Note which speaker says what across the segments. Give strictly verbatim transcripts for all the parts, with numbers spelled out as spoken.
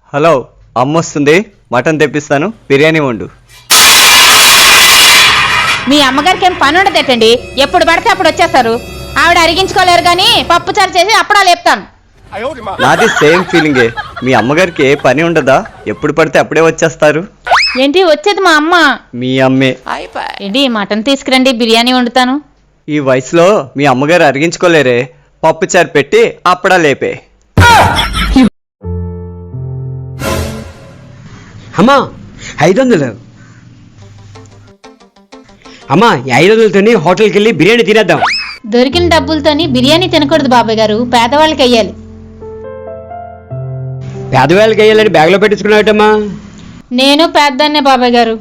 Speaker 1: Hello, అమ్మొస్తుంది, mutton తెప్పిస్తాను, బిర్యానీ వండు.
Speaker 2: మీ అమ్మగారికి ఏం పని ఉండదేటండి, ఎప్పుడు పడితే అప్పుడు వచ్చేస్తారు. ఆవిడ అరిగించుకోలేరు కానీ పప్పు చారు చేసి అప్పుడా లేపుతాను.
Speaker 1: నాది సేమ్ ఫీలింగే. మీ అమ్మగారికి ఏ పని ఉండదా? ఎప్పుడు పడితే అప్పుడే వచ్చేస్తారు.
Speaker 2: ఏంటి వచ్చేది మా అమ్మ?
Speaker 1: మీ అమ్మే.
Speaker 2: ఏంటి మటన్ తీసుకురండి, బిర్యానీ వండుతాను.
Speaker 1: ఈ వయసులో మీ అమ్మగారు అరిగించుకోలేరే, పప్పు చారు పెట్టి అప్పుడా లేపే.
Speaker 3: అమ్మా ఐదు వందలు అమ్మా ఐదు వందలతోని హోటల్కి వెళ్ళి బిర్యానీ తినేద్దాం.
Speaker 2: దొరికిన డబ్బులతోని బిర్యానీ తినకూడదు బాబాయ్ గారు, పేదవాళ్ళకి వెయ్యాలి.
Speaker 3: పేదవాళ్ళకి వెయ్యాలని బ్యాగ్లో పెట్టించుకున్నావటమ్మా.
Speaker 2: నేను పేదదాన్నే బాబాయ్ గారు.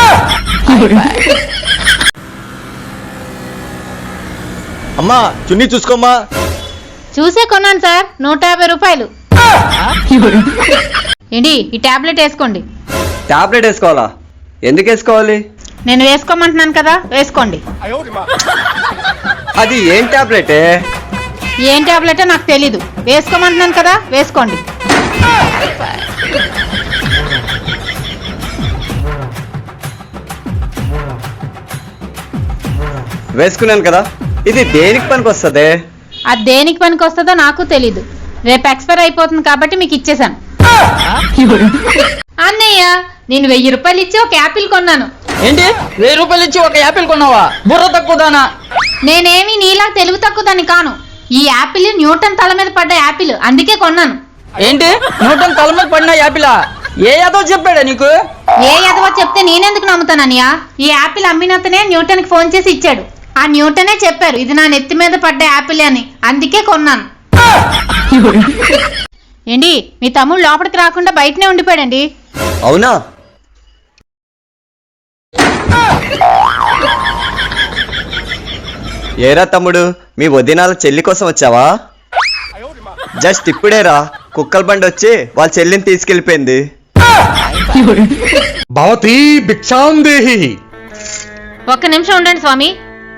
Speaker 1: అమ్మా చున్నీ చూసుకోమ్మా.
Speaker 2: చూసే కొన్నాను సార్, నూట యాభై రూపాయలు. ఏంటి ఈ టాబ్లెట్ వేసుకోండి.
Speaker 1: టాబ్లెట్ వేసుకోవాలా? ఎందుకు వేసుకోవాలి?
Speaker 2: నేను వేసుకోమంటున్నాను కదా, వేసుకోండి.
Speaker 1: అది ఏం టాబ్లెటే?
Speaker 2: ఏం టాబ్లెటో నాకు తెలీదు, వేసుకోమంటున్నాను కదా, వేసుకోండి.
Speaker 1: వేసుకున్నాను కదా, ఇది దేనికి పనికి వస్తుంది?
Speaker 2: అది దేనికి పనికి వస్తుందో నాకు తెలీదు. రేపు ఎక్స్పైర్ అయిపోతుంది కాబట్టి మీకు ఇచ్చేసాను. అన్నయ్య, నేను వెయ్యి రూపాయలు ఇచ్చి ఒక యాపిల్ కొన్నాను.
Speaker 4: ఏంటి వెయ్యి రూపాయలు ఇచ్చి ఒక యాపిల్ కొన్నావా? బుర్ర తక్కువదానా?
Speaker 2: నేనేమి నీలా తెలుగు తక్కువదాన్ని కాను. ఈ యాపిల్ న్యూటన్ తల మీద పడ్డ యాపిల్, అందుకే కొన్నాను.
Speaker 4: ఏంటి న్యూటన్ తల మీద పడిన యాపిలా? ఏ యాదో చెప్పాడా నీకు?
Speaker 2: ఏ ఎదవో చెప్తే నేనెందుకు నమ్ముతానన్నయ్య? ఈ యాపిల్ అమ్మినతనే న్యూటన్ కి ఫోన్ చేసి ఇచ్చాడు. ఆ న్యూటనే చెప్పారు ఇది నా నెత్తి మీద పడ్డ యాపిల్ అని, అందుకే కొన్నాను. ఏంటి మీ తమ్ముడు లోపలికి రాకుండా బయటనే ఉండిపోయాడండి.
Speaker 1: అవునా? ఏరా తమ్ముడు, మీ వదినాల చెల్లి కోసం వచ్చావా? జస్ట్ ఇప్పుడేరా కుక్కల బండి వచ్చి వాళ్ళ చెల్లిని తీసుకెళ్లిపోయింది.
Speaker 5: భవతి భిక్షాం దేహి.
Speaker 2: ఒక్క నిమిషం ఉండండి స్వామి.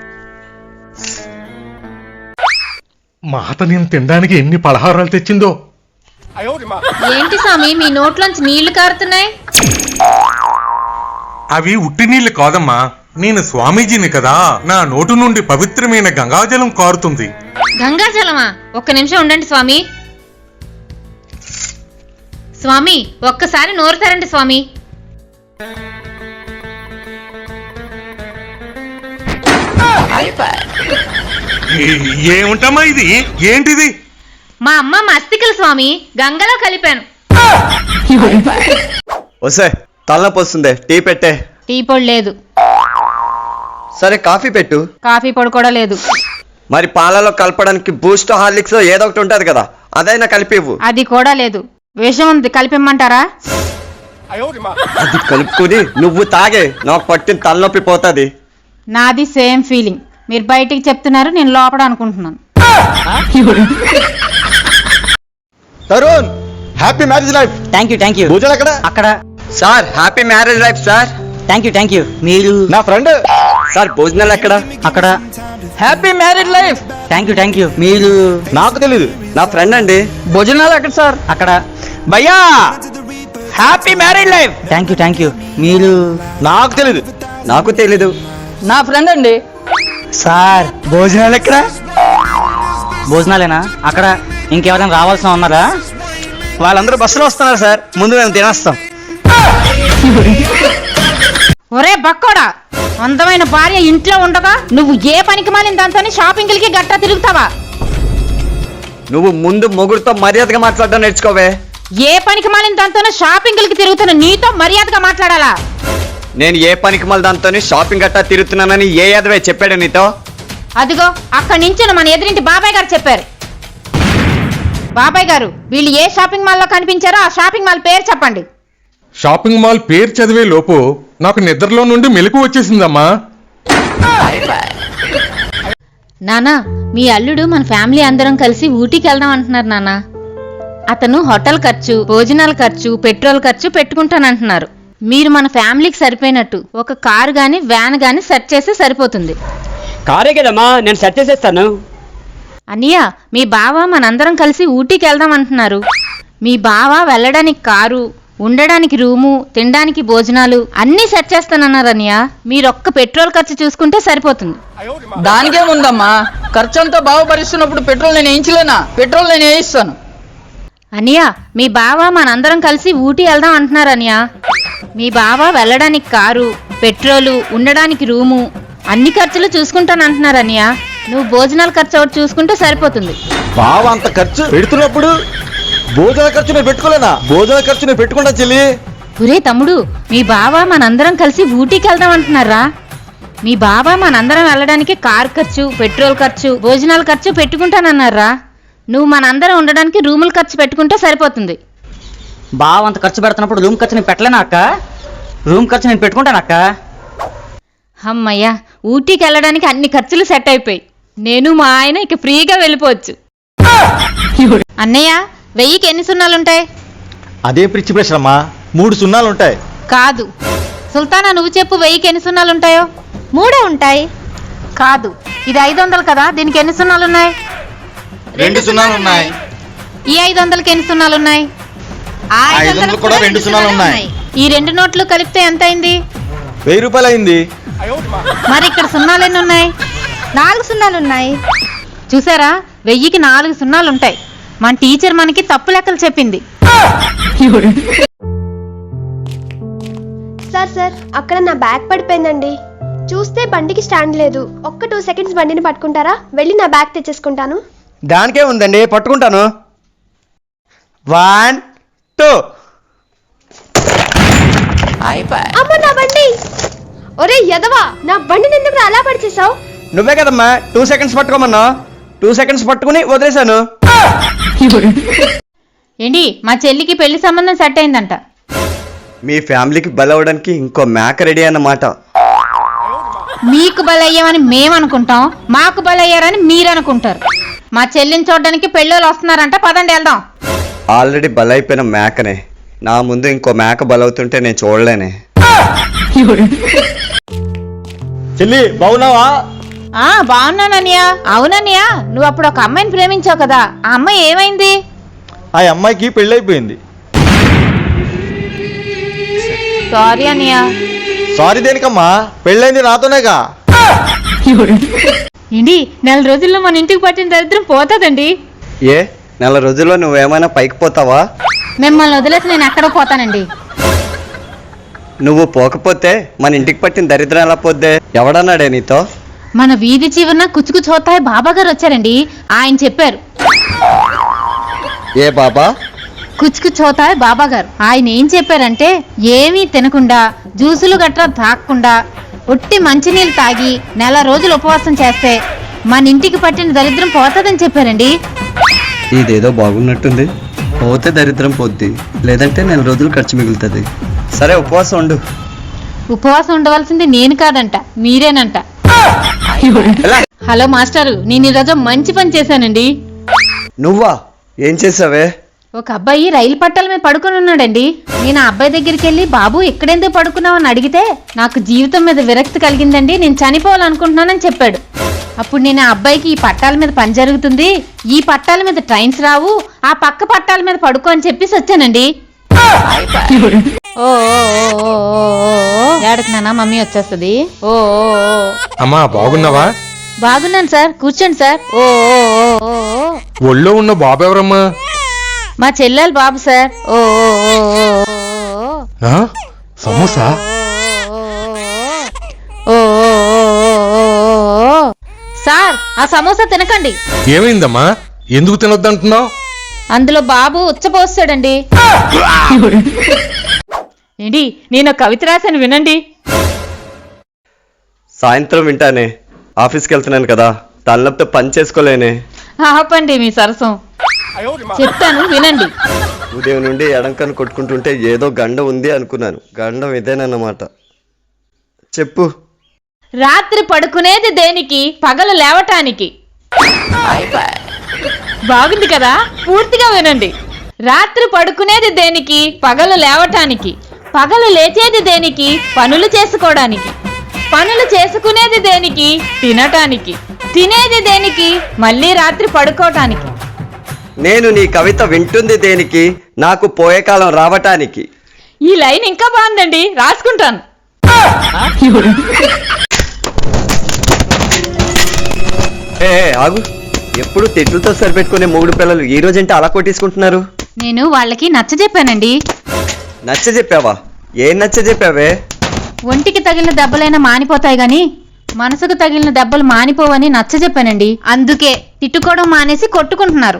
Speaker 5: మాత నేను తినడానికి ఎన్ని పలహారాలు తెచ్చిందో.
Speaker 2: ఏంటి స్వామి మీ నోట్లోంచి నీళ్లు కారుతున్నాయి?
Speaker 5: అవి ఉట్టి నీళ్లు కాదమ్మా, నేను స్వామీజీని కదా, నా నోటు నుండి పవిత్రమైన గంగాజలం కారుతుంది.
Speaker 2: గంగాజలమా? ఒక్క నిమిషం ఉండండి స్వామి. స్వామి ఒక్కసారి నోరు తెరండి స్వామి.
Speaker 5: ఏముంటమ్మా ఇది? ఏంటిది?
Speaker 2: మా అమ్మ మస్తికలు స్వామి, గంగలో కలిపాను.
Speaker 1: వసే తలనొప్పి వస్తుంది, టీ పెట్టే.
Speaker 2: టీ పొడి లేదు.
Speaker 1: సరే కాఫీ పెట్టు.
Speaker 2: కాఫీ పొడి కూడా లేదు.
Speaker 1: మరి పాలలో కలపడానికి బూస్ట్, హార్లిక్స్ ఏదో ఒకటి ఉంటది కదా, అదైనా కలిపివ్వు.
Speaker 2: అది కూడా లేదు. విషం ఉంది, కలిపిమ్మంటారా?
Speaker 1: అది కలుపుకుని నువ్వు తాగే, నాకు పట్టిన తలనొప్పి పోతుంది.
Speaker 2: నాది సేమ్ ఫీలింగ్. మీరు బయటికి చెప్తున్నారు, నేను లోపల అనుకుంటున్నాను.
Speaker 1: Tarun, happy marriage life.
Speaker 4: Thank you thank you.
Speaker 1: పూజలు ఎక్కడ?
Speaker 4: అక్కడ.
Speaker 1: Sir happy marriage life sir.
Speaker 4: Thank you thank you. మీరు?
Speaker 1: నా ఫ్రెండ్. సార్ భోజనాలు ఎక్కడ?
Speaker 4: అక్కడ. Happy marriage life. Thank you thank you. మీరు?
Speaker 1: నాకు తెలీదు, నా ఫ్రెండ్ అండి.
Speaker 4: భోజనాలు ఎక్కడ సార్? అక్కడ. భయ్యా happy marriage life. Thank you thank you. మీరు?
Speaker 1: నాకు తెలీదు. నాకు తెలీదు.
Speaker 4: నా ఫ్రెండ్ అండి. సార్ భోజనాలు ఎక్కడ? భోజనాలేనా? అక్కడ. ఇంకెవరైనా రావాల్సిన ఉన్నారా?
Speaker 1: వాళ్ళందరూ బస్సులో వస్తున్నారు సార్, ముందు మేము తినేస్తాం.
Speaker 2: ఒరే బక్కోడా, అందమైన భార్య ఇంట్లో ఉండగా నువ్వు ఏ పనికి మాలిన దాంతో షాపింగ్లకి గట్టా తిరుగుతావా?
Speaker 1: నువ్వు ముందు మొగుడుతో మర్యాదగా మాట్లాడడం నేర్చుకోవే.
Speaker 2: ఏ పనికి మాలిన దాంతో షాపింగ్లకి తిరుగుతున్న నీతో మర్యాదగా మాట్లాడాలా?
Speaker 1: నేను ఏ పనికి మళ్ళీ దాంతో షాపింగ్ గట్టా తిరుగుతున్నానని ఏ యాదవే చెప్పాడు నీతో?
Speaker 2: అదిగో అక్కడి నుంచి మన ఎదురింటి బాబాయ్ గారు చెప్పారు. బాబాయ్ గారు, వీళ్ళు ఏ షాపింగ్ మాల్లో కనిపించారో ఆ షాపింగ్ మాల్ పేరు చెప్పండి.
Speaker 5: షాపింగ్ మాల్ పేరు చదివే లోపు నాకు నిద్రలో నుండి మెలకు వచ్చేసిందమ్మా.
Speaker 2: నానా, మీ అల్లుడు మన ఫ్యామిలీ అందరం కలిసి ఊటీకి వెళ్దాం అంటున్నారు నానా. అతను హోటల్ ఖర్చు, భోజనాల ఖర్చు, పెట్రోల్ ఖర్చు పెట్టుకుంటానంటున్నారు. మీరు మన ఫ్యామిలీకి సరిపోయినట్టు ఒక కారు గాని వ్యాన్ గాని సెట్ చేస్తే సరిపోతుంది.
Speaker 3: కారే కదమ్మా, నేను సెట్ చేసేస్తాను.
Speaker 2: అన్నయ్య, మీ బావ మనందరం కలిసి ఊటీకి వెళ్దాం అంటున్నారు. మీ బావ వెళ్ళడానికి కారు, ఉండడానికి రూము, తినడానికి భోజనాలు అన్నీ సెట్ చేస్తానన్నారు అన్నయ్య. మీరొక్క పెట్రోల్ ఖర్చు చూసుకుంటే సరిపోతుంది.
Speaker 4: దానికేముందమ్మా, ఖర్చు అంతా బాగా భరిస్తున్నప్పుడు పెట్రోల్ నేను వేయించలేనా? పెట్రోల్ నేను వేయిస్తాను.
Speaker 2: అన్నయ్య, మీ బావ మనందరం కలిసి ఊటీ వెళ్దాం అంటున్నారు అన్నయ్య. మీ బావ వెళ్ళడానికి కారు, పెట్రోలు, ఉండడానికి రూము అన్ని ఖర్చులు చూసుకుంటానంటున్నారు అన్నయ్య. నువ్వు భోజనాల ఖర్చు ఒకటి చూసుకుంటే సరిపోతుంది.
Speaker 6: బావ అంత ఖర్చు పెడుతున్నప్పుడు భోజన ఖర్చు నేను పెట్టుకోలేనా? భోజన ఖర్చు నేను పెట్టుకుంటా చెల్లి.
Speaker 2: ఒరే తమ్ముడు, మీ బావ మనందరం కలిసి ఊటీకి వెళ్దాం అంటున్నారా? మీ బావ మనందరం వెళ్ళడానికి కార్ ఖర్చు, పెట్రోల్ ఖర్చు, భోజనాల ఖర్చు పెట్టుకుంటానన్నారా? నువ్వు మనందరం ఉండడానికి రూముల ఖర్చు పెట్టుకుంటే సరిపోతుంది.
Speaker 4: బావ అంత ఖర్చు పెడుతున్నప్పుడు రూమ్ ఖర్చు నేను పెట్టలేనా అక్క? రూమ్ ఖర్చు నేను పెట్టుకుంటాను అక్క.
Speaker 2: అమ్మయ్యా, ఊటీకి వెళ్ళడానికి అన్ని ఖర్చులు సెట్ అయిపోయి నేను మా ఆయన ఇక ఫ్రీగా వెళ్ళిపోవచ్చు. అన్నయ్య, వెయ్యికి ఎన్ని సున్నాలుంటాయి?
Speaker 6: అదే పిచ్చి ప్రశ్న అమ్మా, మూడు సున్నాలు ఉంటాయి.
Speaker 2: కాదు సుల్తానా, నువ్వు చెప్పు, వెయ్యికి ఎన్ని సున్నాలుంటాయో? మూడే ఉంటాయి. కాదు, ఇది ఐదు వందలు కదా, దీనికి ఎన్ని సున్నాలున్నాయి?
Speaker 6: రెండు సున్నాలు ఉన్నాయి.
Speaker 2: ఈ ఐదు వందలకి ఎన్ని సున్నాలున్నాయి?
Speaker 6: ఆ ఐదు వందలకు కూడా రెండు సున్నాలు ఉన్నాయి.
Speaker 2: ఈ రెండు నోట్లు కలిపితే ఎంత అయింది?
Speaker 6: వెయ్యి రూపాయలు అయింది.
Speaker 2: మరి ఇక్కడ సున్నాలు ఎన్ని ఉన్నాయి? నాలుగు సున్నాలు ఉన్నాయి. చూసారా, వెయ్యికి నాలుగు సున్నాలు ఉంటాయి. మన టీచర్ మనకి తప్పు లెక్కలు చెప్పింది.
Speaker 7: సార్ సార్ అక్కడ నా బ్యాగ్ పడిపోయిందండి. చూస్తే బండికి స్టాండ్ లేదు. ఒక్క టూ సెకండ్స్ బండిని పట్టుకుంటారా? వెళ్ళి నా బ్యాగ్ తెచ్చేసుకుంటాను.
Speaker 6: దానికే ఉందండి, పట్టుకుంటాను. One two.
Speaker 7: అమ్మ నా బండి! ఒరే యదవా, నా బండిని ఎందుకు అలా పడిచేసావు?
Speaker 6: నువ్వే కదమ్మా టూ సెకండ్స్ పట్టుకోమన్నా. టూ సెకండ్స్ పట్టుకుని వదిలేశాను.
Speaker 2: ఏంటి, మా చెల్లికి పెళ్లి సంబంధం సెట్ అయిందంట.
Speaker 1: మీ ఫ్యామిలీకి బలవడానికి ఇంకో మేక రెడీ అన్నమాట.
Speaker 2: మీకు బలయ్యామని మేమనుకుంటాం, మాకు బలయ్యారని మీరనుకుంటారు. మా చెల్లిని చూడడానికి పెళ్ళోళ్ళు వస్తున్నారంట, పదండి వెళ్దాం.
Speaker 1: ఆల్రెడీ బలైపోయిన మేకనే, నా ముందు ఇంకో మేక బలవుతుంటే నేను చూడలేనే.
Speaker 6: చెల్లి బాగున్నావా?
Speaker 2: ఆ బాగున్నానన్నయ్య. అవునన్నయ్య, నువ్వు అప్పుడు ఒక అమ్మాయిని ప్రేమించావు కదా, ఆ అమ్మాయి ఏమైంది?
Speaker 6: ఆ అమ్మాయికి పెళ్ళైపోయింది.
Speaker 2: సారీ అన్నయ్య.
Speaker 6: సారీ దేనికమ్మా, పెళ్ళైంది నాతోనేగా.
Speaker 2: ఏంటి, నెల రోజుల్లో మన ఇంటికి పట్టిన దరిద్రం పోతుందండి.
Speaker 1: ఏ నెల రోజుల్లో నువ్వేమైనా పైకి పోతావా?
Speaker 2: మిమ్మల్ని వదిలేసి నేను ఎక్కడ పోతానండి.
Speaker 1: నువ్వు పోకపోతే మన ఇంటికి పట్టిన దరిద్రం ఎలా పోద్దే? ఎవడన్నాడే నీతో?
Speaker 2: మన వీధి చివరన కుచుకు చోతాయి బాబా గారు వచ్చారండి. ఆయన చెప్పారు.
Speaker 1: ఏ బాబా?
Speaker 2: కుచుకు చోతాయి బాబా గారు. ఆయన ఏం చెప్పారంటే, ఏమీ తినకుండా జ్యూసులు గట్రా తాగకుండా ఒట్టి మంచినీళ్ళు తాగి నెల రోజులు ఉపవాసం చేస్తే మన ఇంటికి పట్టిన దరిద్రం పోతుందని చెప్పారండి.
Speaker 1: ఇదేదో బాగున్నట్టుంది. పోతే దరిద్రం పోద్ది, లేదంటే నెల రోజులు ఖర్చు మిగులుతుంది. సరే ఉపవాసం ఉండు.
Speaker 2: ఉపవాసం ఉండవలసింది నేను కాదంట, మీరేనంట. హలో మాస్టారు, నేను ఈరోజు మంచి పని చేశానండి.
Speaker 1: నువ్వా? ఏం చేసావే?
Speaker 2: ఒక అబ్బాయి రైలు పట్టాల మీద పడుకుని ఉన్నాడండి. నేను ఆ అబ్బాయి దగ్గరికి వెళ్ళి, బాబు ఎక్కడెందుకు పడుకున్నావు అని అడిగితే, నాకు జీవితం మీద విరక్తి కలిగిందండి, నేను చనిపోవాలనుకుంటున్నానని చెప్పాడు. అప్పుడు నేను ఆ అబ్బాయికి, ఈ పట్టాల మీద పని జరుగుతుంది, ఈ పట్టాల మీద ట్రైన్స్ రావు, ఆ పక్క పట్టాల మీద పడుకో అని చెప్పేసి వచ్చానండి. ఓ ఏడకి నాన్న, మమ్మీ వచ్చేస్తుంది. ఓ
Speaker 5: అమ్మా బాగున్నావా?
Speaker 2: బాగున్నాను సార్, కూర్చోండి సార్. ఓ
Speaker 5: ఒళ్ళో ఉన్న బాబు ఎవరమ్మా?
Speaker 2: మా చెల్లెలు బాబు సార్. ఓ
Speaker 5: ఆ? సమోసా?
Speaker 2: సార్, ఆ సమోసా తినకండి.
Speaker 5: ఏమైందమ్మా, ఎందుకు తినొద్దంటున్నావు?
Speaker 2: అందులో బాబు ఉచ్చపోస్తాడండి. ఏంటి, నేను కవిత రాశాను వినండి.
Speaker 1: సాయంత్రం వింటానే, ఆఫీస్కి వెళ్తున్నాను కదా, తలనొప్పితో పని చేసుకోలేనే.
Speaker 2: ఆపండి మీ సరసం, చెప్తాను వినండి.
Speaker 1: ఉదయం నుండి ఎడంకను కొట్టుకుంటుంటే ఏదో గండం ఉంది అనుకున్నాను. గండం ఇదేనన్నమాట. చెప్పు.
Speaker 2: రాత్రి పడుకునేది దేనికి? పగలు లేవటానికి. బాగుంది కదా, పూర్తిగా వినండి. రాత్రి పడుకునేది దేనికి? పగలు లేవటానికి. పగలు లేచేది దేనికి? పనులు చేసుకోవడానికి. పనులు చేసుకునేది దేనికి? తినటానికి. తినేది దేనికి? మళ్ళీ రాత్రి పడుకోవటానికి.
Speaker 1: నేను నీ కవిత వింటుంది దేనికి, నాకు పోయే కాలం రావటానికి.
Speaker 2: ఈ లైన్ ఇంకా బాగుందండి, రాసుకుంటాను.
Speaker 1: ఏ ఏ, ఆగు. ఎప్పుడు తిట్లతో సరిపెట్టుకునే మూడు పిల్లలు ఈ రోజంటే అలా కొట్టేసుకుంటున్నారు.
Speaker 2: నేను వాళ్ళకి నచ్చ చెప్పానండి.
Speaker 1: నచ్చ చెప్పావా? ఏం నచ్చ చెప్పావే?
Speaker 2: ఒంటికి తగిలిన దెబ్బలైనా మానిపోతాయి గాని మనసుకు తగిలిన దెబ్బలు మానిపోవని నచ్చ చెప్పానండి. అందుకే తిట్టుకోవడం మానేసి కొట్టుకుంటున్నారు.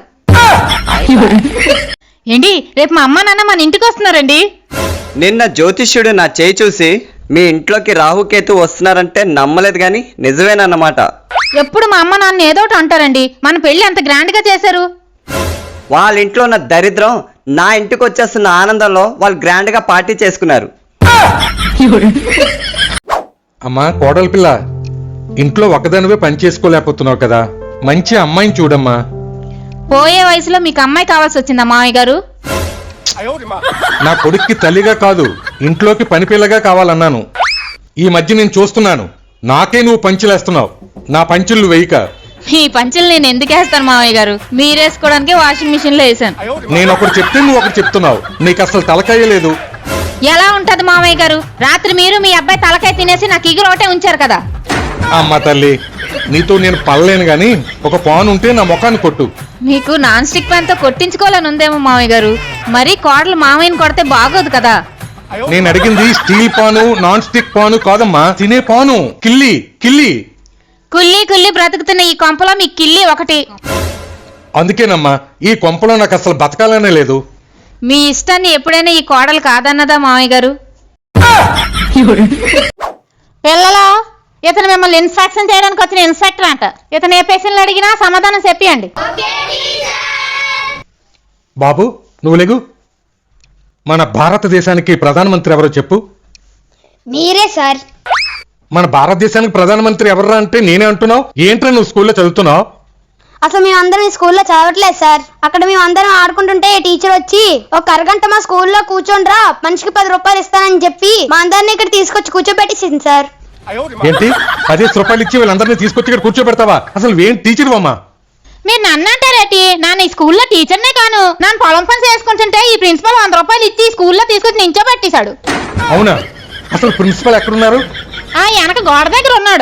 Speaker 2: ఏంటి, రేపు మా అమ్మ నాన్న మన ఇంటికి వస్తున్నారండి.
Speaker 1: నిన్న జ్యోతిష్యుడు నా చేయి చూసి మీ ఇంట్లోకి రాహుకేతు వస్తున్నారంటే నమ్మలేదు గాని నిజమేనన్నమాట.
Speaker 2: ఎప్పుడు మా అమ్మ నాన్న ఏదోటి అంటారండి. మన పెళ్లి అంత గ్రాండ్ గా చేశారు.
Speaker 1: వాళ్ళ ఇంట్లో ఉన్న దరిద్రం నా ఇంటికి వచ్చేస్తున్న ఆనందంలో వాళ్ళు గ్రాండ్ గా పార్టీ చేసుకున్నారు.
Speaker 5: అమ్మా కోడలి పిల్ల, ఇంట్లో ఒకదానివే పని చేసుకోలేకపోతున్నావు కదా, మంచి అమ్మాయిని చూడమ్మా.
Speaker 2: పోయే వయసులో మీకు అమ్మాయి కావాల్సి వచ్చిందా మావయ్య గారు?
Speaker 5: నా కొడుక్కి తల్లిగా కాదు, ఇంట్లోకి పని పిల్లగా కావాలన్నాను. ఈ మధ్య నేను చూస్తున్నాను, నాకే నువ్వు పంచులేస్తున్నావు. నా పంచులు వేయక.
Speaker 2: ఈ పంచులు నేను ఎందుకు వేస్తాను మావయ్య గారు? మీరేసుకోవడానికి వాషింగ్ మిషన్ లో వేసాను.
Speaker 5: నేను ఒకటి చెప్తే నువ్వు ఒకటి చెప్తున్నావు. నీకు అసలు తలకాయ లేదు.
Speaker 2: ఎలా ఉంటది మావయ్య గారు? రాత్రి మీరు మీ అబ్బాయి తలకాయ తినేసి నాకు ఇగురు ఒకటే ఉంచారు కదా.
Speaker 5: అమ్మ తల్లి, నీతో నేను పడలేను గాని ఒక పాన్ ఉంటే నా ముఖాన్ని కొట్టు.
Speaker 2: మీకు నాన్ స్టిక్ ప్యాన్ తో కొట్టించుకోవాలని ఉందేమో మావయ్య గారు. మరి కోడలు మావయ్యని కొడితే బాగోదు కదా.
Speaker 5: నేను అడిగింది steel pan, non stick pan కాదమ్మా, తినే పాను. కిల్లి కిల్లి
Speaker 2: కుల్లి కుల్లి బ్రతుకుతున్న ఈ కొంపలో మీ కిల్లి ఒకటి.
Speaker 5: అందుకేనమ్మా ఈ కొంపలో నాకు అసలు బతకాలనే లేదు.
Speaker 2: మీ ఇష్టాన్ని ఎప్పుడైనా ఈ కోడలు కాదన్నదా మావయ్య గారు? పిల్లలు, ఇతను మిమ్మల్ని ఇన్స్పెక్షన్ చేయడానికి వచ్చిన ఇన్స్పెక్టర్ అంట. ఇతను ఏ పేషెంట్లు అడిగినా సమాధానం చెప్పియండి.
Speaker 5: బాబు నువ్వు లేగు. మన భారతదేశానికి ప్రధానమంత్రి ఎవరో చెప్పు.
Speaker 7: మీరే సార్.
Speaker 5: మన భారతదేశానికి ప్రధానమంత్రి ఎవరా అంటే నేనే అంటున్నావు. ఏంట్రా నువ్వు స్కూల్లో చదువుతున్నావు?
Speaker 8: అసలు మేమందరం ఈ స్కూల్లో చదవట్లేదు సార్. అక్కడ మేమందరం ఆడుకుంటుంటే టీచర్ వచ్చి ఒక అరగంట మా స్కూల్లో కూర్చోండ్రా, మనిషికి పది రూపాయలు ఇస్తానని చెప్పి మా అందరినీ ఇక్కడ తీసుకొచ్చి కూర్చోబెట్టేసింది సార్.
Speaker 5: ఏంటి పదిహేను రూపాయలు ఇచ్చి వీళ్ళందరినీ తీసుకొచ్చి ఇక్కడ కూర్చోబెడతావా? అసలు ఏం టీచర్ అమ్మా?
Speaker 2: మీరు నన్ను అంటారేటి? నాన్న ఈ స్కూల్లో టీచర్నే కాను. నన్ను పొలం పని చేసుకుంటుంటే ఈ ప్రిన్సిపల్ వంద రూపాయలు ఇచ్చి స్కూల్లో తీసుకొచ్చి నించోబెట్టేశాడు.
Speaker 5: అవునా? అసలు ప్రిన్సిపల్ ఎక్కడున్నారు?
Speaker 2: ఆ వెనక గోడ దగ్గర ఉన్నాడు.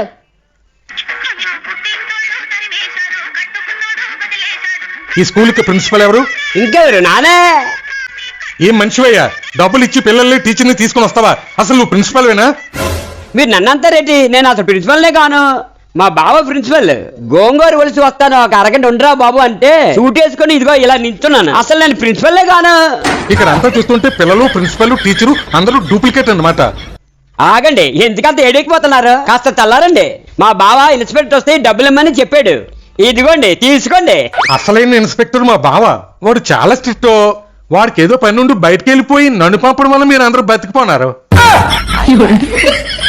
Speaker 5: ఈ స్కూల్ కి ప్రిన్సిపల్ ఎవరు?
Speaker 3: ఇంకెవరు? నానే.
Speaker 5: ఏం మనిషివయ్యా, డబ్బులు ఇచ్చి పిల్లల్ని టీచర్ని తీసుకుని వస్తావా? అసలు నువ్వు ప్రిన్సిపల్ వేనా?
Speaker 3: మీరు నన్నంతారేంటి? నేను అసలు ప్రిన్సిపల్నే కాను. మా బావ ప్రిన్సిపల్. గోంగూర ఒలిసి వస్తాను, ఒక అరగంట ఉండరా బాబు అంటే సూట్ వేసుకొని ఇదిగో ఇలా నించున్నాను. అసలు నేను ప్రిన్సిపల్లే కాను.
Speaker 5: ఇక్కడ అంతా చూస్తుంటే పిల్లలు, ప్రిన్సిపల్, టీచరు అందరూ డూప్లికేట్ అన్నమాట.
Speaker 3: ఆగండి, ఎందుకంత ఏడెక్కిపోతున్నారు? కాస్త చల్లారండి. మా బావ ఇన్స్పెక్టర్ వస్తే డబ్బులు ఇమ్మని చెప్పాడు. ఇదిగోండి తీసుకోండి.
Speaker 5: అసలైన ఇన్స్పెక్టర్ మా బావ. వాడు చాలా స్ట్రిక్ట్. వాడికి ఏదో పని నుండి బయటకు వెళ్ళిపోయి నన్ను పంపడం వల్ల మీరు అందరూ బతికిపోన్నారు.